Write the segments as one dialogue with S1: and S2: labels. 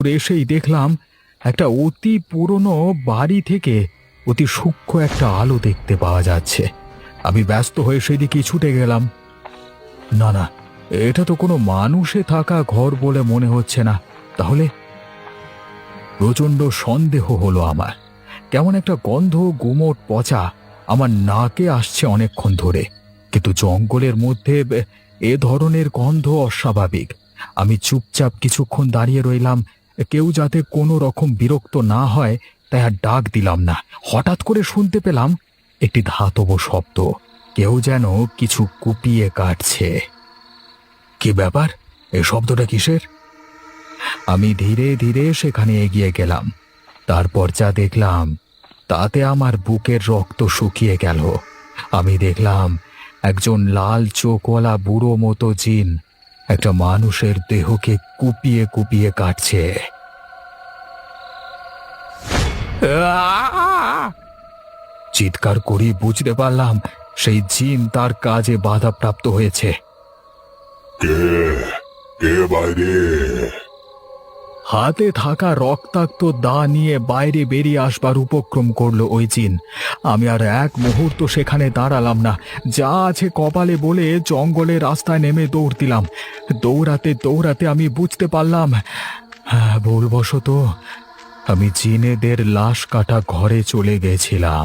S1: এসেই দেখলাম একটা অতি পুরনো বাড়ি থেকে অতি সূক্ষ্ম একটা আলো দেখতে পাওয়া যাচ্ছে। আমি ব্যস্ত হয়ে সেদিকে ছুটে গেলাম। না না, এটা তো কোনো মানুষে থাকা ঘর বলে মনে হচ্ছে না। তাহলে প্রচণ্ড সন্দেহ হলো আমার। কেমন একটা গন্ধ, গুমোট পচা আমার নাকে আসছে অনেকক্ষণ ধরে, কিন্তু জঙ্গলের মধ্যে এ ধরনের গন্ধ অস্বাভাবিক। আমি চুপচাপ কিছুক্ষণ দাঁড়িয়ে রইলাম, কেউ যাতে কোনো রকম বিরক্ত না হয় তাই আর ডাক দিলাম না। হঠাৎ করে শুনতে পেলাম একটি ধাতব শব্দ, কেউ যেন কিছু কুপিয়ে কাটছে। কি ব্যাপার? এই শব্দটা কিসের? আমি ধীরে ধীরে সেখানে এগিয়ে গেলাম। তারপর যা দেখলাম তাতে আমার বুকের রক্ত শুকিয়ে গেল। আমি দেখলাম একজন লাল চোখওয়ালা বুড়ো মতো জিন একটা মানুষের দেহকে কুপিয়ে কুপিয়ে কাটছে। চিৎকার করি বুঝতে পারলাম সেই জিন তার কাজে বাধাপ্রাপ্ত হয়েছে।
S2: কে কে বাইরে?
S1: হাতে থাকা রক্তাক্ত দা নিয়ে বাইরে বেরিয়ে আসবার উপক্রম করলো ওই জিন। আমি আর এক মুহূর্ত সেখানে দাঁড়ালাম না, যা আছে কপালে বলে জঙ্গলের রাস্তায় নেমে দৌড় দিলাম। দৌড়াতে দৌড়াতে আমি বুঝতে পারলাম, হ্যাঁ, ভুলবশত আমি জিনেদের লাশ কাটা ঘরে চলে গেছিলাম।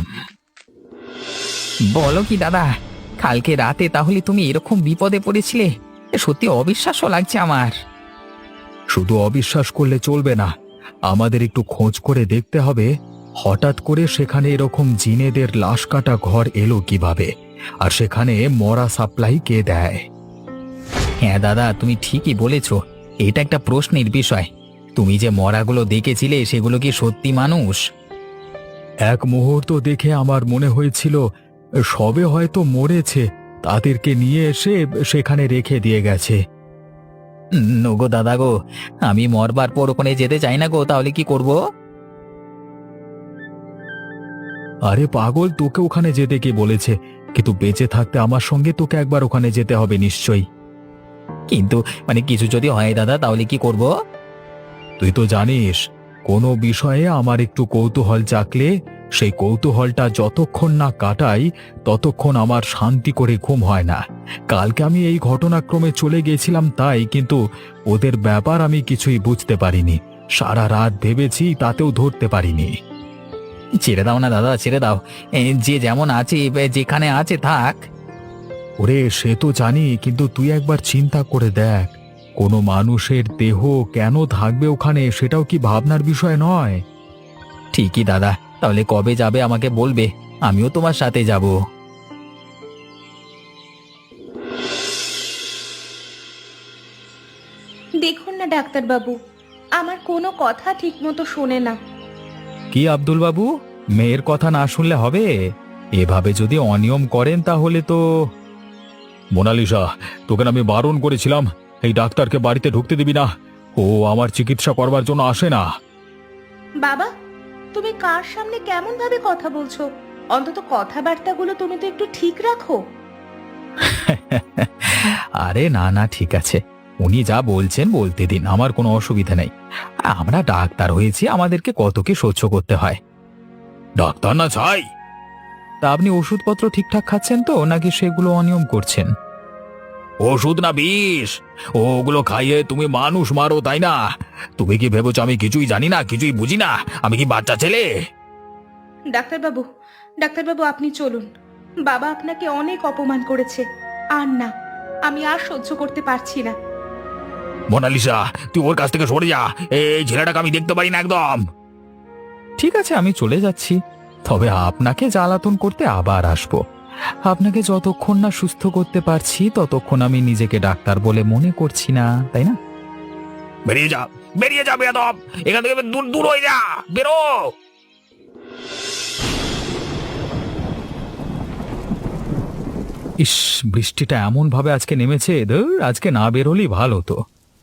S3: বলো কি দাদা, কালকে রাতে তাহলে তুমি এরকম বিপদে পড়েছিলে? সত্যি অবিশ্বাস্য লাগছে আমার।
S1: শুধু অবিশ্বাস করলে চলবে না, আমাদের একটু খোঁজ করে দেখতে হবে হঠাৎ করে সেখানে এরকম জিনেদের লাশ কাটা ঘর এলো কিভাবে, আর সেখানে মরা সাপ্লাই কে দেয়।
S3: হ্যাঁ দাদা, তুমি ঠিকই বলেছ, এটা একটা প্রশ্নের বিষয়। তুমি যে মরাগুলো দেখেছিলে সেগুলো কি সত্যি মানুষ?
S1: এক মুহূর্ত দেখে আমার মনে হয়েছিল সবে হয়তো মরেছে, তাদেরকে নিয়ে এসে সেখানে রেখে দিয়ে গেছে।
S3: গো দাদা গো, আমি মরবার পর ওখানে যেতে চাই না গো, তাহলে কি করব?
S1: আরে পাগল, তোকে ওখানে যেতে কে বলেছে? কিন্তু বেঁচে থাকতে আমার সঙ্গে তোকে একবার ওখানে যেতে হবে নিশ্চয়ই।
S3: কিন্তু কিছু যদি হয় দাদা, তাহলে কি করব?
S1: তুই তো জানিস, কোনো বিষয়ে আমার একটু কৌতূহল জাগলে সেই কৌতূহলটা যতক্ষণ না কাটাই ততক্ষণ আমার শান্তি করে ঘুম হয় না। কালকে আমি এই ঘটনাক্রমে চলে গেছিলাম তাই, কিন্তু ওদের ব্যাপার আমি কিছুই বুঝতে পারিনি। সারা রাত ভেবেছি, তাতেও ধরতে পারিনি।
S3: ছেড়ে দাও না দাদা, ছেড়ে দাও। যে যেমন আছে, যেখানে আছে থাক।
S1: ওরে সে তো জানি, কিন্তু তুই একবার চিন্তা করে দেখ, কোনো মানুষের দেহ কেন থাকবে ওখানে, সেটাও কি ভাবনার বিষয় নয়?
S3: ঠিকই দাদা, তাহলে কবে যাবে আমাকে বলবে, আমিও তোমার সাথে যাব।
S4: দেখুন না ডাক্তারবাবু, আমার কোনো কথা ঠিকমতো শোনে না।
S1: কি আব্দুল বাবু, মেয়ের কথা না শুনলে হবে? এভাবে যদি অনিয়ম করেন তাহলে তো। মোনালিসা, তোকে আমি বারণ করেছিলাম এই ডাক্তারকে বাড়িতে ঢুকতে দিবি না, ও আমার চিকিৎসা করবার জন্য আসে না।
S4: বাবা, তুমি কার সামনে কেমন ভাবে কথা বলছো? অন্তত কথাবার্তাগুলো তুমি তো একটু ঠিক রাখো।
S1: আরে না না, ঠিক আছে, উনি যা বলছেন বলতে দিন, আমার কোনো অসুবিধা নেই। আমরা ডাক্তার হয়েছি, আমাদেরকে কত কি সহ্য করতে হয়। ডাক্তার না চাই। তা আপনি ওষুধপত্র ঠিকঠাক খাচ্ছেন তো, নাকি সেগুলো অনিয়ম করছেন? ওষুধ না বিষ, ওগুলো খাইয়ে তুমি মানুষ মারো, তাই না? তুমি কি ভেবেছো আমি কিছুই জানি না, কিছুই বুঝি না? আমি কি বাচ্চা ছেলে?
S4: ডাক্তারবাবু, ডাক্তারবাবু আপনি চলুন। বাবা আপনাকে অনেক অপমান করেছে। আর না, আমি আর সহ্য করতে পারছি না।
S1: মোনালিসা, তুই ওর কাছ থেকে সরে যা, এই ছেলেটাকে আমি দেখতে পারি না একদম। ঠিক আছে, আমি চলে যাচ্ছি, তবে আপনাকে জ্বালাতন করতে আবার আসবো। আপনাকে যতক্ষণ না সুস্থ করতে পারছি ততক্ষণ আমি নিজেকে ডাক্তার বলে মনে করছি না, তাই না? বেরিয়ে যা, বেরিয়ে যা বেয়াদব, এখান থেকে দূর দূর হয়ে যা, বেরো। ইস, বৃষ্টিটা এমন ভাবে আজকে নেমেছে, ধুর, আজকে না বের হলেই ভালো তো।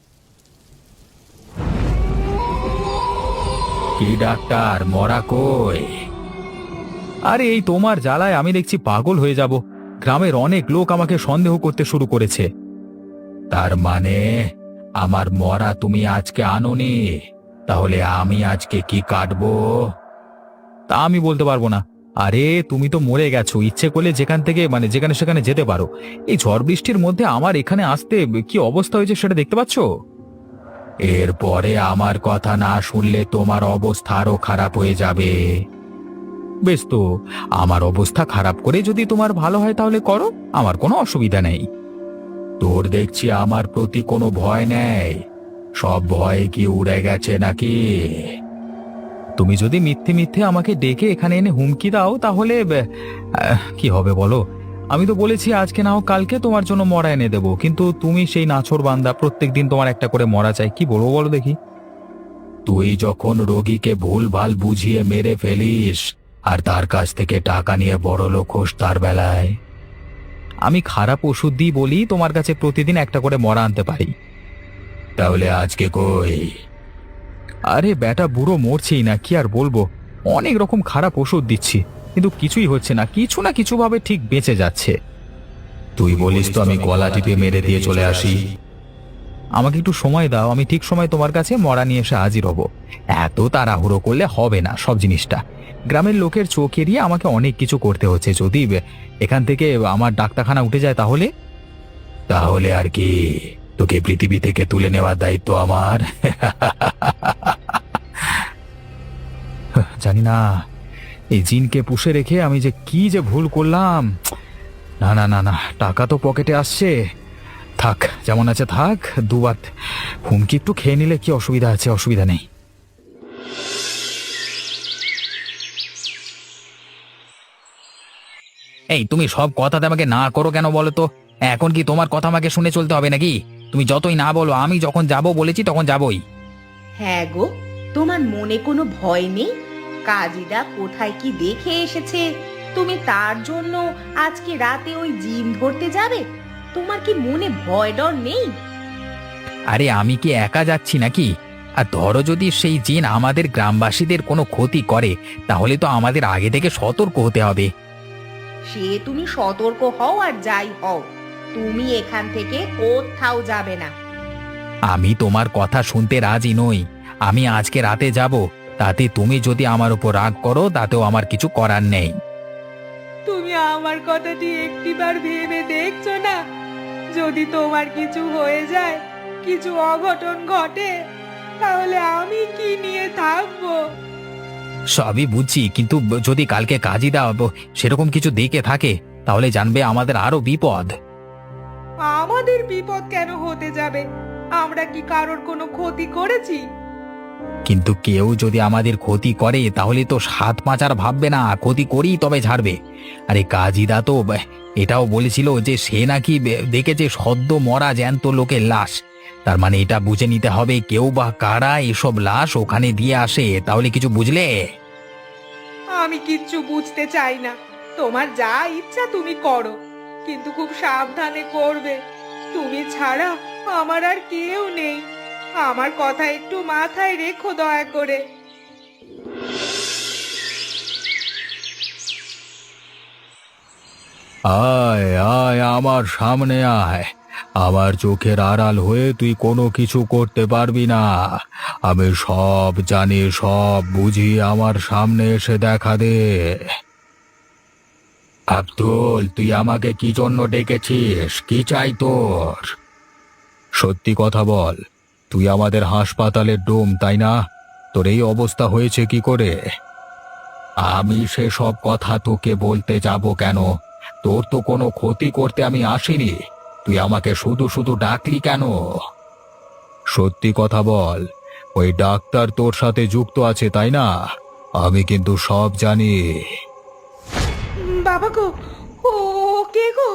S1: কি ডাক্তার, মরা কই? আরে এই তোমার জ্বালায় আমি দেখছি পাগল হয়ে যাব। গ্রামের অনেক লোক আমাকে সন্দেহ করতে শুরু করেছে। তার মানে আমার মরা তুমি আজকে আনোনি?
S3: তাহলে আমি আজকে কি কাটবো? তা আমি বলতে পারবো না। আরে তুমি তো মরে গেছো, ইচ্ছে করলে যেখান থেকে যেখানে সেখানে যেতে পারো। এই ঝড় বৃষ্টির মধ্যে আমার এখানে আসতে কি অবস্থা হয়েছে সেটা দেখতে পাচ্ছ? এরপরে আমার কথা না শুনলে তোমার অবস্থা আরো খারাপ হয়ে যাবে। বেশ তো, আমার অবস্থা খারাপ করে যদি তোমার ভালো হয় তাহলে করো, আমার কোনো অসুবিধা নেই। তোর দেখছি আমার প্রতি কোনো ভয় নেই, সব ভয় কি উড়ে গেছে নাকি? তুমি যদি মিথ্যে মিথ্যে আমাকে ডেকে এখানে এনে হুমকি দাও তাহলে কি হবে বলো? আমি তো বলেছি আজকে না হোক কালকে তোমার জন্য মরা এনে দেবো, কিন্তু তুমি সেই নাছোড় বান্দা, প্রত্যেকদিন তোমার একটা করে মরা চাই। কি বলবো বলো দেখি? তুই যখন রোগীকে ভুলভাল বুঝিয়ে মেরে ফেলিস আর তার কাছ থেকে টাকা নিয়ে বড়লোক হোস তার বেলায়। আমি খারাপ ওষুধ দিই বলি তোমার কাছে প্রতিদিন একটা করে মরা আনতে পারি। তাহলে আজকে কই? আরে বেটা বুড়ো মরছেই না, কি আর বলবো। অনেক রকম খারাপ ওষুধ দিচ্ছি কিন্তু কিছুই হচ্ছে না, কিছু না কিছু ভাবে ঠিক বেঁচে যাচ্ছে। তুই বলিস তো আমি গলা টিপে মেরে দিয়ে চলে আসি? আমাকে একটু সময় দাও, আমি ঠিক সময় তোমার কাছে মরা নিয়ে এসে হাজির হব। এত তাড়াহুড়ো করলে হবে না সব জিনিসটা। গ্রামের লোকের চোখ এড়িয়ে আমাকে অনেক কিছু করতে হচ্ছে। যদি এখান থেকে আমার ডাক্তারখানা উঠে যায় তাহলে? তাহলে আর কি, তোকে পৃথিবী থেকে তুলে নেওয়ার দায়িত্ব আমার। জানি না এই জিনকে পুষে রেখে আমি যে কি যে ভুল করলাম। না না না না, টাকা তো পকেটে আসছে, থাক যেমন আছে থাক। দুবার হুমকি একটু খেয়ে নিলে কি অসুবিধা আছে? অসুবিধা নেই। এই তুমি সব কথাতে আমাকে না করো কেন বলো তো? এখন কি তোমার কথা আমাকে শুনে চলতে হবে নাকি? তুমি যতই না বলো, আমি যখন যাব বলেছি তখন যাবই।
S4: হ্যাঁ গো, তোমার মনে কোনো ভয় নেই? কাজীরা কোথায় কি দেখে এসেছে, তুমি তার জন্য আজকে রাতে ওই জিন ধরতে যাবে? তোমার কি মনে ভয় ডর নেই?
S3: আরে আমি কি একা যাচ্ছি নাকি? আর ধরো যদি সেই জিন আমাদের গ্রামবাসীদের কোনো ক্ষতি করে, তাহলে তো আমাদের আগে থেকে সতর্ক হতে হবে।
S4: সে তুমি সতর্ক হও আর যাই হও, তুমি এখান থেকে কোথাও যাবে না।
S3: আমি তোমার কথা শুনতে রাজি নই। আমি আজকে রাতে যাব, তাতে তুমি যদি আমার উপর রাগ করো তাতেও আমার কিছু করার নেই।
S4: তুমি আমার কথাটি একটিবার ভেবে দেখছো না? যদি তোমার কিছু হয়ে যায়, কিছু অঘটন ঘটে, তাহলে আমি কি নিয়ে থাকবো?
S3: সবই বুঝছি, কিন্তু যদি কালকে কাজী দাও সেরকম কিছু দেখে থাকে তাহলে জানবে আমাদের আরো বিপদ।
S4: আমাদের বিপদ কেন হতে যাবে? আমরা কি কারোর কোনো ক্ষতি করেছি?
S3: কিন্তু কেউ যদি আমাদের ক্ষতি করে তাহলে তো সাত পাঁচার ভাববে না, ক্ষতি করি তবে ছাড়বে। আরে কাজীদা তো এটাও বলেছিল যে সে নাকি দেখেছে সদ্য মরা জ্যান্ত লোকের লাশ। তার মানে এটা বুঝে নিতে হবে কেউ বা কারা এসব লাশ ওখানে দিয়ে আসে। তাহলে কিছু বুঝলে?
S4: আমি কিচ্ছু বুঝতে চাই না, তোমার যা ইচ্ছা তুমি করো, কিন্তু খুব সাবধানে করবে। তুমি ছাড়া আমার আর কেউ নেই, আমার কথা একটু মাথায় রেখো দয়া করে।
S1: আয় আয় আমার সামনে আয়। আমার চোখের আড়াল হয়ে তুই কোনো কিছু করতে পারবি না। আমি সব জানি, সব বুঝি। আমার সামনে এসে দেখা দে। আব্দুল, তুই আমাকে কি জন্য ডেকেছিস? কি চাই তোর? সত্যি কথা বল, তুই আমাদের হাসপাতালের ডোম তাই না? তোর এই অবস্থা হয়েছে কি করে? আমি সেসব কথা তোকে বলতে যাব কেন? তোর তো কোনো ক্ষতি করতে আমি আসিনি, তুই আমাকে শুধু শুধু ডাকলি কেন? সত্যি কথা বল, ওই ডাক্তার তোর সাথে যুক্ত আছে তাই না? আমি কিন্তু সব জানি।
S4: বাবা গো, ও কে গো?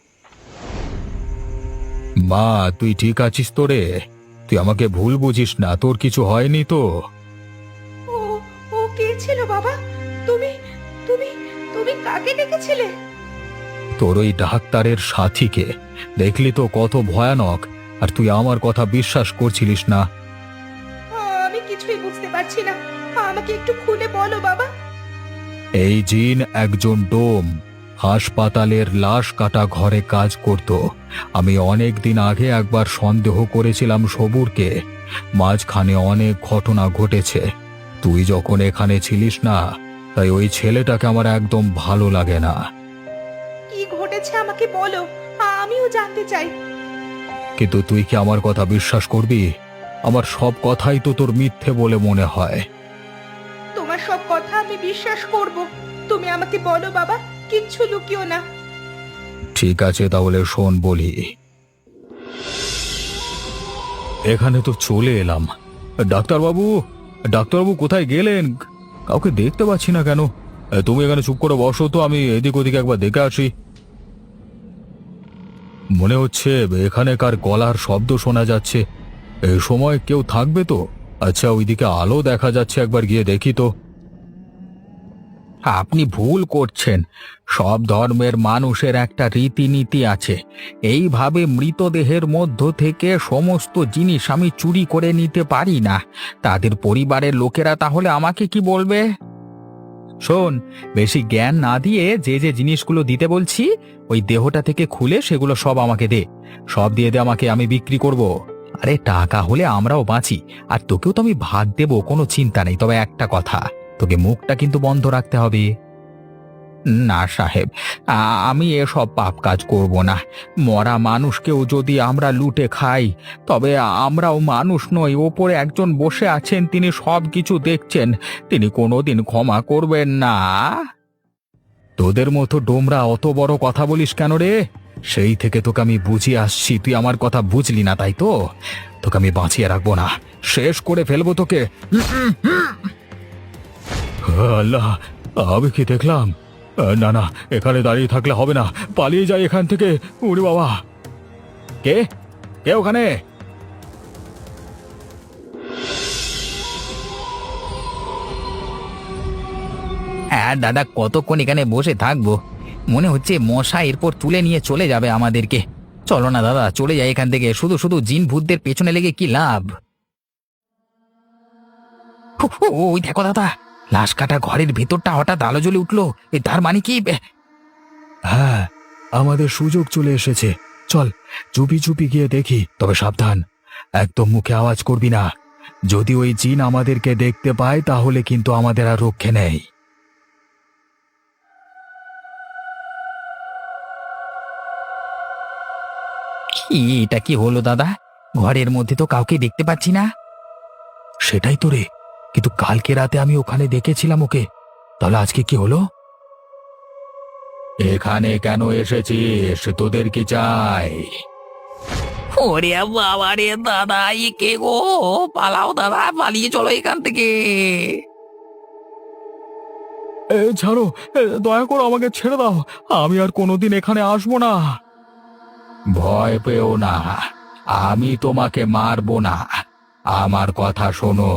S1: মা, তুই ঠিক আছিস তো রে? তুই আমাকে ভুল বুঝিস না, তোর কিছু হয়নি তো?
S4: ও ও কে ছিল বাবা? তুমি তুমি তুমি কাকে ডেকেছিলে?
S1: তোর ওই ডাক্তারের সাথীকে। দেখলি তো কত ভয়ানক, আর তুই আমার কথা বিশ্বাস করছিলিস না।
S4: আমি কিছুই বুঝতে পারছি না, আমাকে একটু খুলে বলো বাবা।
S1: এই জিন একজন ডোম, হাসপাতালের লাশ কাটা ঘরে কাজ করত। আমি অনেক দিন আগে একবার সন্দেহ করেছিলাম সবুরকে। মাঝখানে অনেক ঘটনা ঘটেছে। তুই যখন এখানে ছিলিস না, তাই ওই ছেলেটাকে আমার একদম ভালো লাগে না।
S4: কি ঘটেছে আমাকে বলো, আমিও জানতে চাই।
S1: কিন্তু তুই কি আমার কথা বিশ্বাস করবি? আমার সব কথাই তো তোর মিথ্যে বলে মনে হয়।
S4: তোমার সব কথা আমি বিশ্বাস করব। তুমি আমাকে বলো বাবা, কিচ্ছু লুকিও না।
S1: ঠিক আছে, তাহলে শোন বলি। এখানে তো চলে এলাম। ডাক্তারবাবু, ডাক্তারবাবু কোথায় গেলেন? কাউকে দেখতে পাচ্ছি না কেন? তুমি এখানে চুপ করে বসো তো, আমি এদিক ওদিক একবার দেখে আসি। মনে হচ্ছে এখানে কার গলার শব্দ শোনা যাচ্ছে। এই সময় কেউ থাকবে তো? আচ্ছা, ওইদিকে আলো দেখা যাচ্ছে, একবার গিয়ে দেখি তো।
S3: আপনি ভুল করছেন। সব ধর্মের মানুষের একটা রীতিনীতি আছে। এইভাবে মৃতদেহের মধ্য থেকে সমস্ত জিনিস আমি চুরি করে নিতে পারি না। তাদের পরিবারের লোকেরা তাহলে আমাকে কি বলবে? শোন, বেশি জ্ঞান না দিয়ে যে যে জিনিসগুলো দিতে বলছি, ওই দেহটা থেকে খুলে সেগুলো সব আমাকে দে। সব দিয়ে দে আমাকে, আমি বিক্রি করব। আরে টাকা হলে আমরাও বাঁচি, আর তোকেও তো আমি ভাগ দেবো, কোনো চিন্তা নেই। তবে একটা কথা, তোকে মুখটা কিন্তু বন্ধ রাখতে হবে। না সাহেব, আমি এসব পাপ কাজ করব না। মরা মানুষকেও যদি আমরা লুটে খাই, তবে আমরাও মানুষ নই। ওপরে একজন বসে আছেন, তিনি সব কিছু দেখছেন। তিনি কোনোদিন ক্ষমা করবেন না।
S1: তোদের মতো ডোমরা অত বড় কথা বলিস কেন রে? সেই থেকে তোকে আমি বুঝিয়ে আসছি, তুই আমার কথা বুঝলি না, তাই তো? তোকে আমি বাঁচিয়ে রাখবো না, শেষ করে ফেলবো তোকে। আল্লাহ, আমি কি দেখলাম? না না, এখানে দাঁড়িয়ে থাকলে হবে না, পালিয়ে যাই এখান থেকে। ওরে বাবা! কে কে ওখানে?
S3: হ্যাঁ দাদা, কতক্ষণ এখানে বসে থাকবো? মনে হচ্ছে মশা এরপর তুলে নিয়ে চলে যাবে আমাদেরকে। চলো না দাদা, চলে যাই এখান থেকে। শুধু শুধু জিন ভূতদের পেছনে লেগে কি লাভ? ওই দেখো দাদা, লাশ কাটা ঘরের ভেতরটা হঠাৎ আলো জ্বলে উঠলো। তার মানে কি?
S1: হ্যাঁ, আমাদের সুযোগ চলে এসেছে। চল চুপি চুপি গিয়ে দেখি, তবে সাবধান, একদম মুখে আওয়াজ করবি না। যদি ওই জিন আমাদেরকে দেখতে পায়, তাহলে কিন্তু আমাদের আর রক্ষে নেই।
S3: কি এটা কি হলো দাদা? ঘরের মধ্যে তো কাউকে দেখতে পাচ্ছি না।
S1: সেটাই তো রে, কিন্তু কালকে রাতে আমি ওখানে দেখেছিলাম ওকে। তাহলে আজকে কি হলো? এখানে কেন এসেছিস? তোদের কি চাই?
S3: ওরে বাবা রে দাদা, কে গো? পালাও দাদা, পালিয়ে চলো এখান থেকে।
S1: ছাড়ো, দয়া করো, আমাকে ছেড়ে দাও। আমি আর কোনোদিন এখানে আসবো না। ভয় পেও না, আমি তোমাকে মারবো না। আমার কথা শোনো।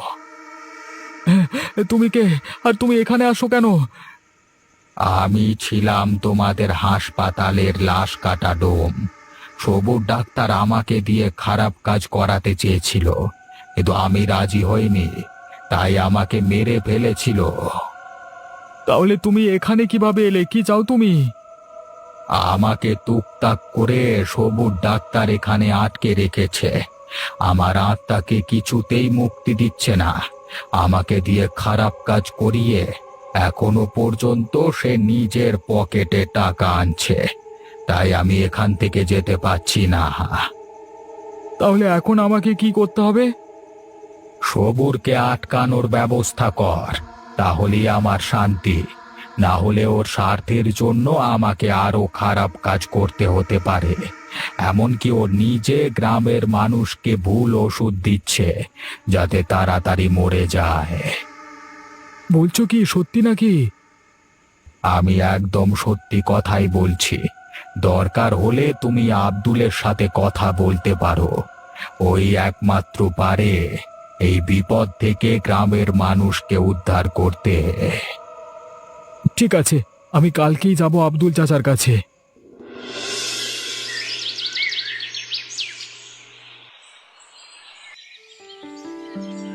S1: তুমি কে? আর তুমি এখানে আসো কেন? আমি ছিলাম তোমাদের হাসপাতালের লাশ কাটা ডোম। সবুর ডাক্তার আমাকে দিয়ে খারাপ কাজ করাতে চেয়েছিল, কিন্তু আমি রাজি হইনি, তাই আমাকে মেরে ফেলেছিল। তাহলে তুমি এখানে কিভাবে এলে? কি চাও তুমি? আমাকে তুকতাক করে সবুর ডাক্তার এখানে আটকে রেখেছে। আমার আত্মাকে কিছুতেই মুক্তি দিচ্ছে না। আমাকে দিয়ে খারাপ কাজ করিয়ে এখনো পর্যন্ত সে নিজের পকেটে টাকা আনছে, তাই আমি এখান থেকে যেতে পারছি না। তাহলে এখন আমাকে কি করতে হবে? সবুরকে আটকানোর ব্যবস্থা কর, তাহলেই আমার শান্তি। না হলে ওর স্বার্থের জন্য আমাকে আরো খারাপ কাজ করতে হতে পারে। এমনকি ও নিজে গ্রামের মানুষকে ভুল ওষুধ দিচ্ছে, যাতে তাড়াতাড়ি মরে যায়। বলছো কি, সত্যি নাকি? আমি একদম সত্যি কথাই বলছি। দরকার হলে তুমি আব্দুলের সাথে কথা বলতে পারো। ওই একমাত্র পারে এই বিপদ থেকে গ্রামের মানুষকে উদ্ধার করতে। ঠিক আছে, আমি কালকেই যাব আব্দুল চাচার কাছে।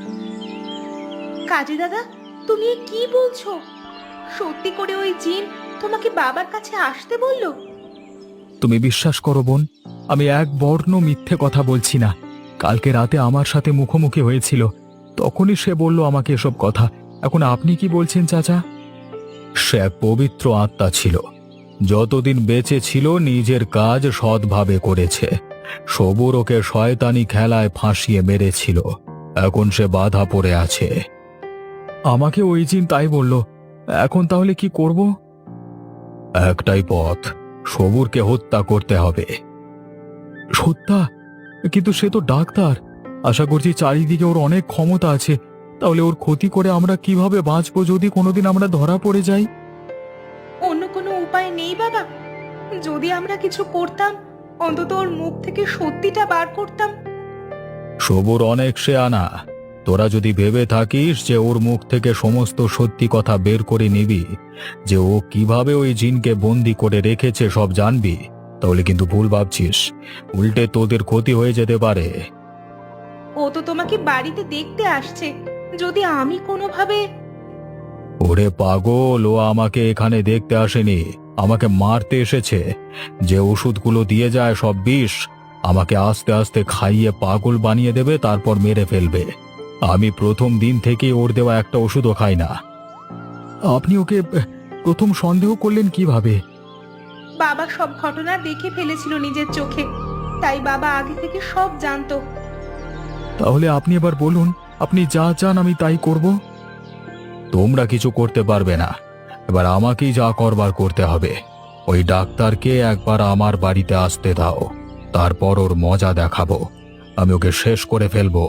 S4: কাজী দাদা, তুমি এ কি বলছো? সত্যি করে ওই জিন তোমাকে বাবার কাছে আসতে বললো?
S1: তুমি বিশ্বাস করো বোন, আমি এক বর্ণ মিথ্যে কথা বলছি না। কালকে রাতে আমার সাথে মুখোমুখি হয়েছিল, তখনই সে বলল আমাকে এসব কথা। এখন আপনি কি বলছেন চাচা? সে এক পবিত্র আত্মা ছিল, যতদিন বেঁচে ছিল নিজের কাজ সৎভাবে করেছে। সবুর ওকে শয়তানি খেলায় ফাঁসিয়ে মেরেছিল, এখন সে বাধা পড়ে আছে। আমাকে ওই জিন তাই বলল। এখন তাহলে কি করব? একটাই পথ, সবুরকে হত্যা করতে হবে। হত্যা? কিন্তু সে তো ডাক্তার, আশা করছি চারিদিকে ওর অনেক ক্ষমতা আছে। তাহলে ওর ক্ষতি করে আমরা কিভাবে বাঁচবো যদি কোনোদিন আমরা ধরা পড়ে যাই?
S4: অন্য কোনো উপায় নেই বাবা? যদি আমরা কিছু করতাম, অন্তত ওর মুখ থেকে সত্যিটা বার করতাম।
S1: সবুর অনেক শেয়ানা, তোরা যদি ভেবে থাকিস যে ওর মুখ থেকে সমস্ত সত্যি কথা বের করে নিবি, যে ও কিভাবে ওই জিনকে বন্দি করে রেখেছে সব জানবি, তাহলে কিন্তু ভুল ভাবছিস। উল্টে তোদের ক্ষতি হয়ে যেতে পারে।
S4: ও তো তোমাকে বাড়িতে দেখতে আসছে, যদি আমি কোনোভাবে...
S1: ওরে পাগল, ও আমাকে এখানে দেখতে আসেনি, আমাকে মারতে এসেছে। যে ওষুধগুলো দিয়ে যায় সব বিষ, আমাকে আস্তে আস্তে খাইয়ে পাগল বানিয়ে দেবে, তারপর মেরে ফেলবে। আমি প্রথম দিন থেকেই ওর দেওয়া একটা ওষুধও খাই না। আপনি ওকে প্রথম সন্দেহ করলেন কিভাবে?
S4: বাবা সব ঘটনা দেখে ফেলেছিল নিজের চোখে, তাই বাবা আগে থেকে সব জানতো।
S1: তাহলে আপনি এবার বলুন, আপনি যা চান আমি তাই করব। তোমরা কিছু করতে পারবে না, এবার আমাকেই যা করবার করতে হবে। ওই ডাক্তারকে একবার আমার বাড়িতে আসতে দাও, তারপর ওর মজা দেখাবো। আমি ওকে শেষ করে ফেলবো।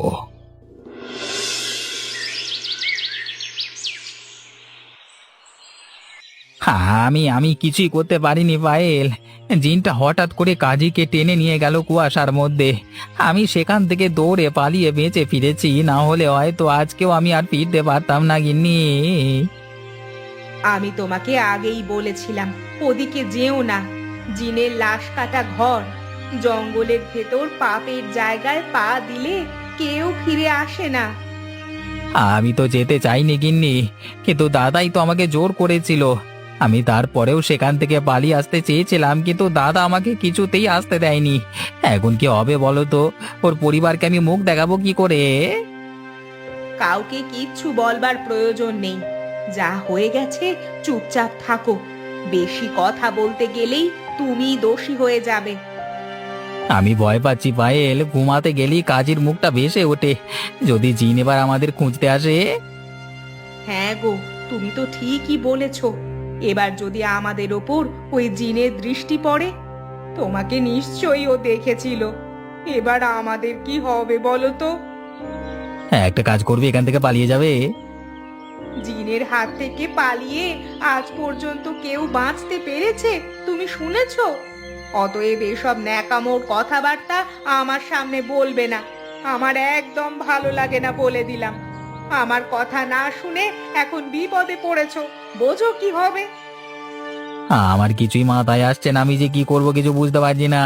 S3: আমি আমি কিছুই করতে পারিনি পায়েল। জিনটা হঠাৎ করে কাজীকে টেনে নিয়ে গেল কুয়াশার মধ্যে। আমি সেখান থেকে দৌড়ে পালিয়ে বেঁচে ফিরেছি, না হলে হয়তো আজকেও আমি আর ফিরতে পারতাম না গিন্নি।
S4: আমি তোমাকে আগেই বলেছিলাম ওদিকে যেও না। জিনের লাশ কাটা ঘর, জঙ্গলের ভেতর পাপের জায়গায় পা দিলে কেউ ফিরে আসে না।
S3: আমি তো যেতে চাইনি গিন্নি, কিন্তু দাদাই তো আমাকে জোর করেছিল। আমি তারপরেও সেখান থেকে পালিয়ে আসতে চেয়েছিলাম, কিন্তু দাদা আমাকে কিছুতেই আসতে দেয়নি। এখন কি হবে বলো তো? ওর পরিবারকে আমি মুখ দেখাবো কি করে?
S4: কাউকে কিচ্ছু বলবার প্রয়োজন নেই, যা হয়ে গেছে চুপচাপ থাকো। বেশি কথা বলতে গেলেই তুমি দোষী হয়ে যাবে।
S3: আমি ভয় পাচ্ছি পায়েল, ঘুমাতে গেলেই কাজীর মুখটা ভেসে ওঠে। যদি জিন এবার আমাদের খুঁজতে আসে?
S4: হ্যাঁ গো, তুমি তো ঠিকই বলেছ। এবার যদি আমাদের ওপর ওই জিনের দৃষ্টি পড়ে, তোমাকে নিশ্চয়ই ও দেখেছিল। এবার আমাদের কি হবে বলো তো?
S3: হ্যাঁ, একটা কাজ করবে, এখান থেকে পালিয়ে যাবে।
S4: জিনের হাত থেকে পালিয়ে আজ পর্যন্ত কেউ বাঁচতে পেরেছে তুমি শুনেছো? অতএব এসব ন্যাকামোর কথাবার্তা আমার সামনে বলবে না। আমার একদম ভালো লাগে না বলে দিলাম। আমার কথা না শুনে এখন বিপদে পড়েছো, বোঝো কি হবে?
S3: আমার কিছুই মাথায় আসছে না, আমি যে কি করব কিছু বুঝতে পারছি না।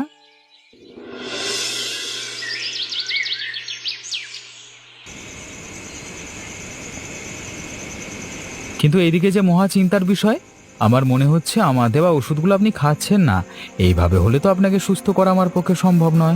S3: কিন্তু এদিকে যে মহা চিন্তার বিষয়, আমার মনে হচ্ছে আমার দেওয়া ওষুধগুলো আপনি খাচ্ছেন না। এইভাবে হলে তো আপনাকে সুস্থ করা আমার পক্ষে সম্ভব নয়।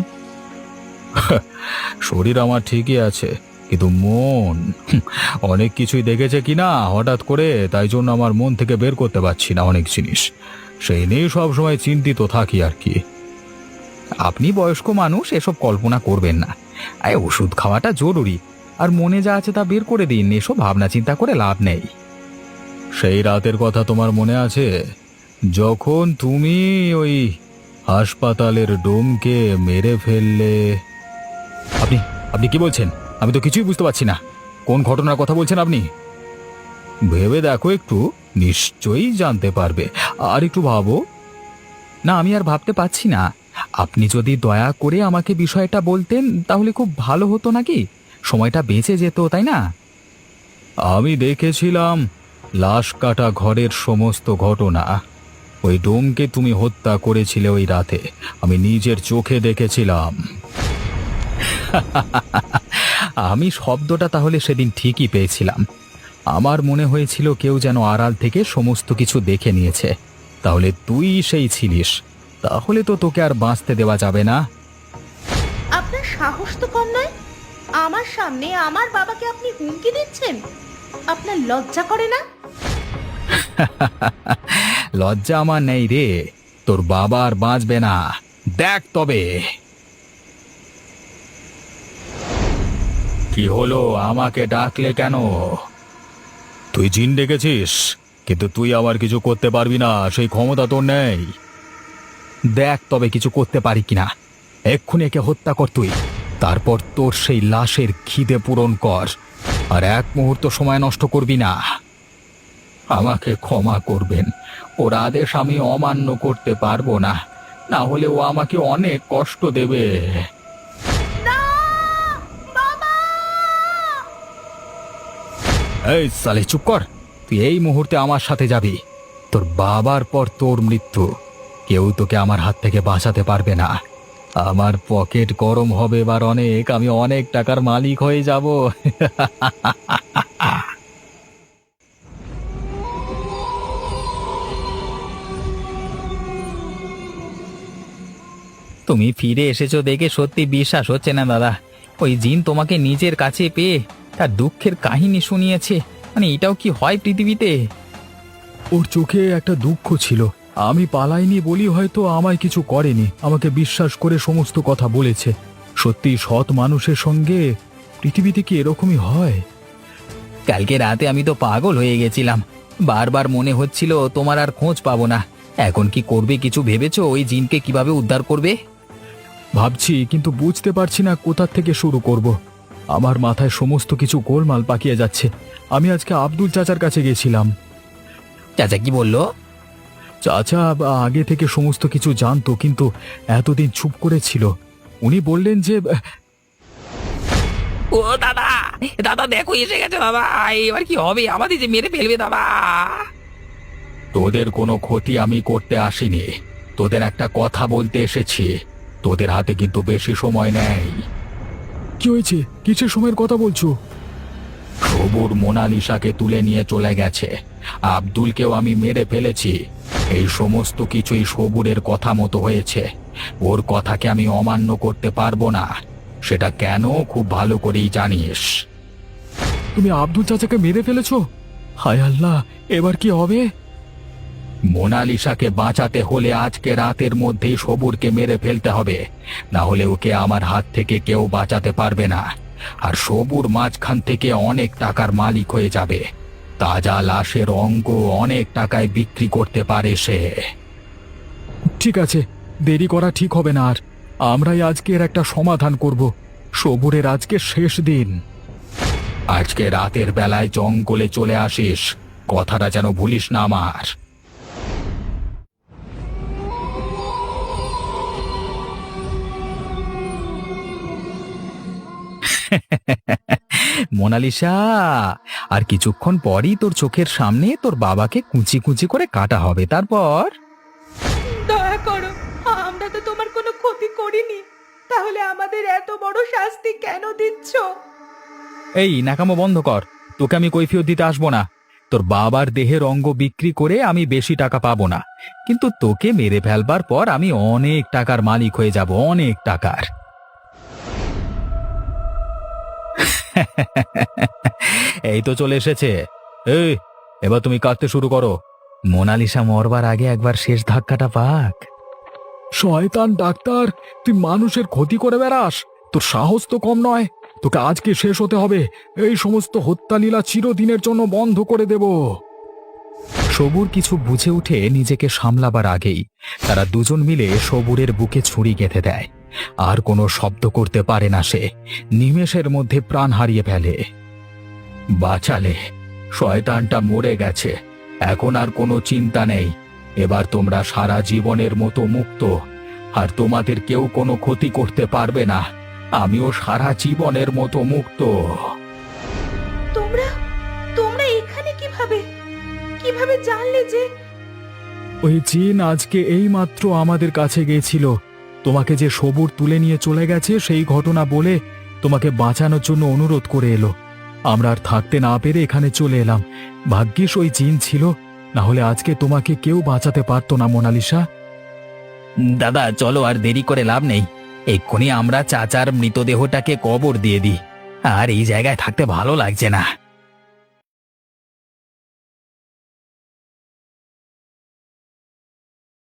S1: শরীর আমার ঠিকই আছে, কিন্তু মন অনেক কিছুই দেখেছে কিনা হঠাৎ করে, তাই জন্য আমার মন থেকে বের করতে পারছি না অনেক জিনিস। সেই নিয়ে সবসময় চিন্তিত থাকি আর কি।
S3: আপনি বয়স্ক মানুষ, এসব কল্পনা করবেন না। ওষুধ খাওয়াটা জরুরি, আর মনে যা আছে তা বের করে দিন। এসব ভাবনা চিন্তা করে লাভ নেই।
S1: সেই রাতের কথা তোমার মনে আছে, যখন তুমি ওই হাসপাতালের ডোমকে মেরে ফেললে? আপনি আপনি কি বলছেন? আমি তো কিছুই বুঝতে পারছি না। কোন ঘটনার কথা বলছেন আপনি? ভেবে দেখো একটু, নিশ্চয়ই জানতে পারবে। আর একটু ভাবো।
S3: না, আমি আর ভাবতে পারছি না। আপনি যদি দয়া করে আমাকে বিষয়টা বলতেন তাহলে খুব ভালো হতো নাকি? সময়টা বেঁচে যেত, তাই না?
S1: আমি দেখেছিলাম লাশ কাটা ঘরের সমস্ত ঘটনা। ওই ডোমকে তুমি হত্যা করেছিলে ওই রাতে, আমি নিজের চোখে দেখেছিলাম।
S3: আমি শব্দটা তাহলে সেদিন ঠিকই পেয়েছিলাম। আমার মনে হয়েছিল কেউ যেন আড়াল থেকে সমস্ত কিছু দেখে নিয়েছে। তাহলে তুই সেই ছিলিস। তাহলে তো তোকে আর বাঁচতে দেওয়া যাবে না।
S5: আপনার সাহস তো কম নয়, আমার সামনে আমার বাবাকে আপনি হুমকি দিচ্ছেন। আপনার লজ্জা করে না?
S3: লজ্জা আমার নেই রে, তোর বাবা আর বাঁচবে না, দেখ তবে। কি হলো, আমাকে ডাকলে কেন? তুই জিন ডেকেছিস, কিন্তু তুই আমার কিছু করতে পারবি না, সেই ক্ষমতা তোর নেই। দেখ তবে কিছু করতে পারি কিনা। এক্ষুনি একে হত্যা কর তুই, তারপর তোর সেই লাশের খিদে পূরণ কর, আর এক মুহূর্ত সময় নষ্ট করবি না। আমাকে ক্ষমা করবেন, ওর আদেশ আমি অমান্য করতে পারবো না, না হলে ও আমাকে অনেক কষ্ট দেবে। এই সালে, চুপ কর। তুই এই মুহূর্তে আমার সাথে যাবি। তোর বাবার পর তোর মৃত্যু, কেউ তোকে আমার হাত থেকে বাঁচাতে পারবে না। আমার পকেট গরম হবে এবার অনেক, আমি অনেক টাকার মালিক হয়ে যাব। তুমি ফিরে এসেছো দেখে সত্যি বিশ্বাস হচ্ছে না দাদা। ওই জিন তোমাকে নিজের কাছে পেয়ে তার দুঃখের কাহিনী শুনিয়েছে, মানে এটাও কি হয় পৃথিবীতে?
S1: ওর চোখে একটা দুঃখ ছিল, আমি পালাইনি বলি হয়তো আমায় কিছু করেনি, আমাকে বিশ্বাস করে সমস্ত কথা বলেছে। সত্যি সৎ মানুষের সঙ্গে পৃথিবীতে কি এরকমই হয়?
S3: কালকে রাতে আমি তো পাগল হয়ে গেছিলাম, বারবার মনে হচ্ছিল তোমার আর খোঁজ পাবো না। এখন কি করবে, কিছু ভেবেছো? ওই জিনকে কিভাবে উদ্ধার করবে?
S1: ভাবছি, কিন্তু বুঝতে পারছি না কোথা থেকে শুরু করব। আমার মাথায় সমস্ত কিছু গোলমাল পাকিয়ে যাচ্ছে। আমি আজকে আব্দুল চাচার কাছে গেছিলাম।
S3: চাচা কি বললো?
S1: চাচা আগে থেকে সমস্ত কিছু জানতো, কিন্তু এতদিন চুপ করেছিল। উনি বললেন যে
S3: ও দাদা, দাদা দেখো এসে গেছে দাদা, এবার কি হবে, আমাদের যে মেরে ফেলবে দাদা। তোদের কোনো ক্ষতি আমি করতে আসিনি, তোদের একটা কথা বলতে এসেছি। তোদের হাতে কিন্তু বেশি সময় নেই।
S1: কি হয়েছে, কিসের সময়ের কথা বলছো?
S3: সবুর মোনালিসাকে তুলে নিয়ে চলে গেছে, আব্দুলকেও আমি মেরে ফেলেছি। এই সমস্ত কিছুই সবুরের কথা মতো হয়েছে। ওর কথাকে আমি অমান্য করতে পারবো না, সেটা কেন খুব ভালো করেই জানিস।
S1: তুমি আব্দুল চাচাকে মেরে ফেলেছো? হায় আল্লাহ, এবার কি হবে?
S3: মোনালিসাকে বাঁচাতে হলে আজকে রাতের মধ্যেই সবুরকে মেরে ফেলতে হবে, না হলে ওকে আমার হাত থেকে কেউ বাঁচাতে পারবে না। আর সবুর মাঝখান থেকে অনেক টাকার মালিক হয়ে যাবে। তাজা লাশের অঙ্গ অনেক টাকায় বিক্রি করতে পারে সে।
S1: ঠিক আছে, দেরি করা ঠিক হবে না আর। আমরাই আজকের একটা সমাধান করব। সবুরের আজকে শেষ দিন।
S3: আজকে রাতের বেলায় জঙ্গলে চলে আসিস, কথাটা যেন ভুলিস না আমার। মোনালিসা, আর কিছুক্ষণ পরই তোর চোখের সামনে তোর বাবাকে কুচি কুচি করে কাটা হবে, তারপর।
S4: দয়া করো, আমরা তো তোমার কোনো ক্ষতি করিনি, তাহলে আমাদের এত বড় শাস্তি কেন দিচ্ছ?
S3: এই নাকামো বন্ধ কর, তোকে আমি কৈফিয়ত দিতে আসবো না। তোর বাবার দেহের অঙ্গ বিক্রি করে আমি বেশি টাকা পাবো না, কিন্তু তোকে মেরে ফেলবার পর আমি অনেক টাকার মালিক হয়ে যাব, অনেক টাকার। এই তো চলে এসেছে। এই, এবার তুমি কাঁদতে শুরু করো। মোনালিসা মরবার আগে একবার শেষ ধাক্কাটা পাক।
S1: শয়তান ডাক্তার, তুই মানুষের ক্ষতি করে বেড়াস? তোর সাহস তো কম নয়। তোকে আজকে শেষ হতে হবে। এই সমস্ত হত্যালীলা চিরদিনের জন্য বন্ধ করে দেব।
S3: সবুর কিছু বুঝে উঠে নিজেকে সামলাবার আগেই তারা দুজন মিলে সবুরের বুকে ছুরি গেঁথে দেয়। আর কোনো শব্দ করতে পারে না সে, নিমেষের মধ্যে প্রাণ হারিয়ে ফেলে। বাঁচালে, শয়তানটা মরে গেছে, এখন আর কোনো চিন্তা নেই। এবার তোমরা সারা জীবনের মতো মুক্ত, আর তোমাদের কেউ কোনো ক্ষতি করতে পারবে না। আমিও সারা জীবনের মতো মুক্ত।
S5: তোমরা তোমরা এখানে কিভাবে কিভাবে জানলে যে?
S1: ওই জিন আজকে এইমাত্র আমাদের কাছে গিয়েছিল। তোমাকে যে সবুর তুলে নিয়ে চলে গেছে সেই ঘটনা বলে তোমাকে বাঁচানোর জন্য অনুরোধ করে এলো। আমরা আর থাকতে না পেরে এখানে চলে এলাম। ভাগ্যিস ওই জিন ছিল, না হলে আজকে তোমাকে কেউ বাঁচাতে পারতো না মোনালিসা।
S3: দাদা চলো, আর দেরি করে লাভ নেই। এক্ষুনি আমরা চাচার মৃতদেহটাকে কবর দিয়ে দিই। আর এই জায়গায় থাকতে ভালো লাগছে না।